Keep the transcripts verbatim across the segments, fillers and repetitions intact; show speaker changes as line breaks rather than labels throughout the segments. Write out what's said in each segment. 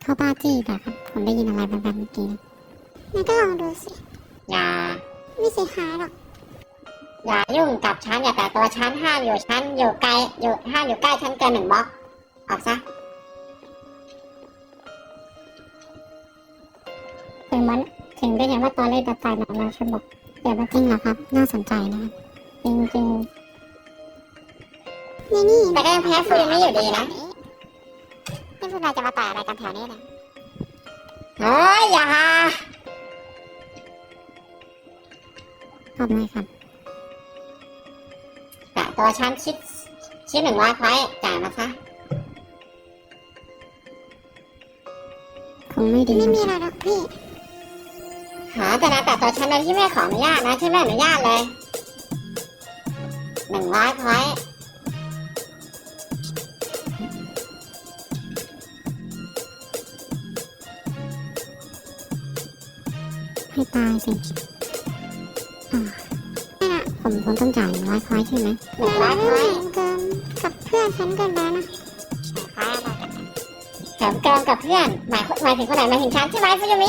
เขาบ้าจี้แต่ครับผมได้ยินอะไรแบบๆเมื่อกี้งั้นก็ลองดูสิอย่าไม่เสียหายหรอกอย่ายุ่งกับฉันอย่าแต่ตัวฉันห้ามอยู่ฉันอยู่ไกลอยู่ห้ามอยู่ใกล้ฉันเกินหนึ่งบล็อกออกซะถึงมันถึงได้เห็นว่าตอนเล่นตัดตายหนังเราฉันบอกเดี๋ยวมาจริงเหรอครับน่าสนใจนะครับจริงจริงนี่นี่แต่ก็ยังแพ้ฟูยังไม่อยู่ดีนะนี่พวกนายจะมาต่อยอะไรกันแถวนี้เนี่ยเฮ้ยอย่าขอบคุณครับแต่ตัวฉันคิดคิดหนึ่งร้อยพอยต์จ่ายมาซะคงไม่ดีไม่มีอะไรหรอกพี่หาแต่นะแต่ตัวฉันโดยที่ไม่ขออนุญาตนะฉันไม่อนุญาตเลยหนึ่งร้อยพอยต์ให้ตายสิอ่านี่นะผมผมต้องจ่ายหนึ่งร้อยพอยต์ใช่ไหมหนึ่งร้อยพอยต์เกินกับเพื่อนฉันเกินไปนะแถมเกินกับเพื่อนหมายหมายถึงคนไหนหมายถึงฉันใช่ไหมฟูยูมิ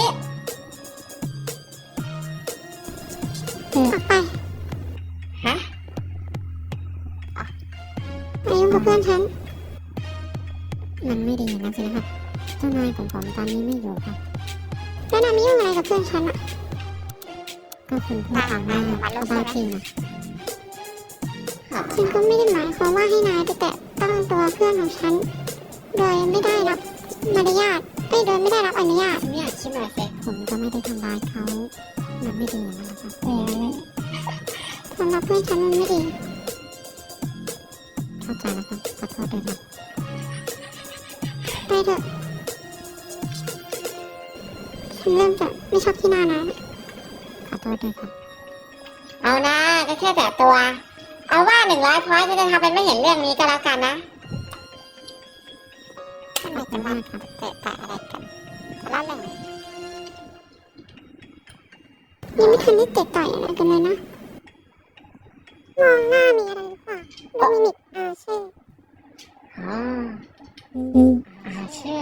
ออกไปฮะไปยุ่งกับเพื่อนฉันมันไม่ดีนะสินะครับเจ้านายของผมตอนนี้ไม่อยู่ครับแล้วนายไม่ยุ่งอะไรกับเพื่อนฉันอ่ะก็คุณพูดต่างหน้าก็บ้าจริงนะฉันก็ไม่ได้หมายความว่าให้นายไปแตะต้องตัวเพื่อนของฉันโดยไม่ได้รับมารยาทไม่โดยไม่ได้รับอนุญาตไม่อยากคิดหน่อยสิผมก็ไม่ได้ทำร้ายเขามันไม่ดีอย่างนั้นนะครับเออสำหรับเพื่อนฉันมันไม่ดีเข้าใจแล้วครับขอโทษด้วยนะไปเถอะฉันเริ่มจะไม่ชอบที่หน้านะขอโทษด้วยครับเอานะก็แค่แต่ตัวเอาว่าหนึ่งร้อยพอยต์จะทำเป็นไม่เห็นเรื่องนี้ก็แล้วกันนะทำไมจะมากครับเตะตะอะไรกันแล้วเลยยังไม่ทันได้เตะต่อยอะไรกันเลยนะมองหน้ามีอะไรหรือเปล่าดูมิมิกอาเช่อ๋ออืมอาเช่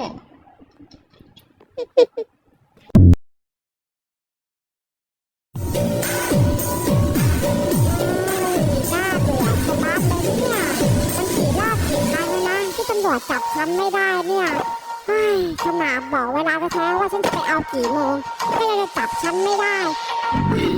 น่าเบื่อชะมัดเลยเนี่ยมันกี่รอบกี่ครั้งแล้วนะที่ตำรวจจับฉันไม่ได้เนี่ยเฮ้ยขนาดบอกเวลาแท้ๆว่าฉันจะไปเอากี่โมงก็ยังจะจับฉันไม่ได้